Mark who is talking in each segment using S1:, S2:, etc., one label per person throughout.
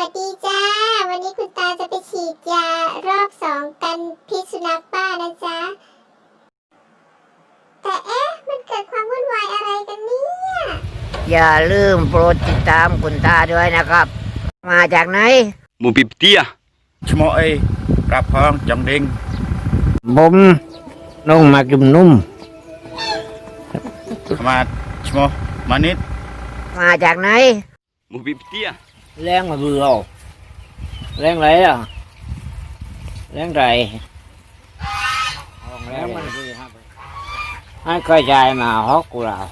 S1: วัสดีจ้าวันนี้คุณตาจะไปฉีดยารอบ2กันพิษสุนัขบ้านะจ๊ะแต่มันเกิดความวุ่นวายอะไรกันเนี่ย
S2: อย่าลืมโปรดติดตามคุณตาด้วยนะครับมาจากไหน
S3: หมูปิบเตี้ย
S4: ឈ្មោះអីប្រាប់ផងចង់ដេញ
S2: ผมน้องมาจุ่มนุ่ม
S4: ខ្មាតឈ្មោះម៉ានិត
S2: มาจากไหน
S3: หมูปิบเตี้ย
S2: แรงมาเบื่อแรงไรอ่ะแรงไรแรงมันให้ค่อยใจมาฮอกกูเรา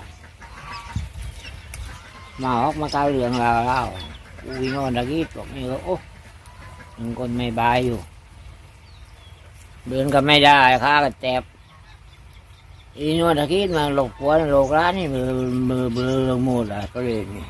S2: มาฮอกมาก้าวเรื่องเราอุ้ยนอนตะกี้บอกไม่รู้โอ้ยังคนไม่บายอยู่เดินก็ไม่ได้ข้าก็เจ็บอีนอนตะกี้มาหลบหัวหลบร้านนี่มือลงหมดอ่ะก็เลยนี่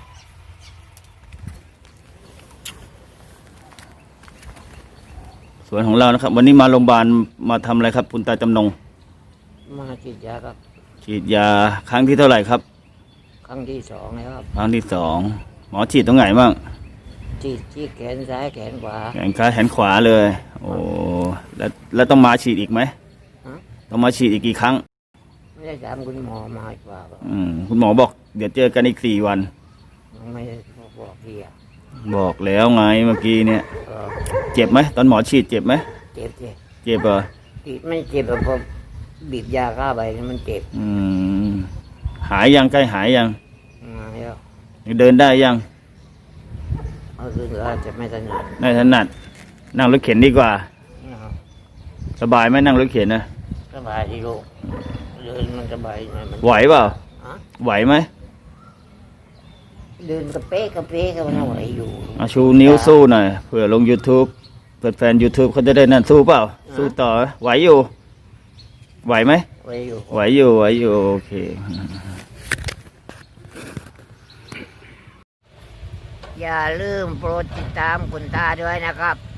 S3: สวนของเรานะครับวันนี้มาโรงพยาบาลมาทำอะไรครับคุณตาจำนง
S2: มาฉีดยาครับ
S3: ฉีดยาครั้งที่เท่าไหร่ครับ
S2: ครั้งที่2แล้วครับ
S3: ครั้งที่2หมอฉีดตรงไหนบ้าง
S2: ฉีดที่แขนซ้ายแขนขวา
S3: แขนซ้ายแขนขวาเลยโอ้แล้วต้องมาฉีดอีกไหมต้องมาฉีดอีกกี่ครั้ง
S2: ไม่ได้ถามคุณหมอมาอีกว่า
S3: คุณหมอบอกเดี๋ยวเจอกันอีก4 วัน
S2: ไม่ได้บอกพี่อะ
S3: บอกแล้วไงเมื่อกี้เนี่ยเจ็บไหมตอนหมอฉีดเจ็บไหม
S2: เจ็บ
S3: เหรอ
S2: ไม่เจ็บเพราะบีบยาฆ่าใบมันเจ็บ
S3: หายยังใกล้หายยัง
S2: หายแล้ว
S3: เดินได้ยัง
S2: คืออาจจะไม่ถนัด
S3: นั่งรถเข็นดีกว่าสบายไหมนั่งรถเข็นนะ
S2: สบายดีลูกเดินมันสบาย
S3: ไหวเปล่าไหวไหม
S2: เดินกระเป๊ะก็ไม่ไหวอยู่
S3: ชูนิ้วสู้หน่อยเผื่อลง YouTube เปิดแฟน YouTube เขาจะได้นั่นสู้เปล่าสู้ต่อไหวอยู่ไหวไหม
S2: ไหวอยู่
S3: โอเค
S2: อย่าลืมโปรดติดตามคุณตาด้วยนะครับ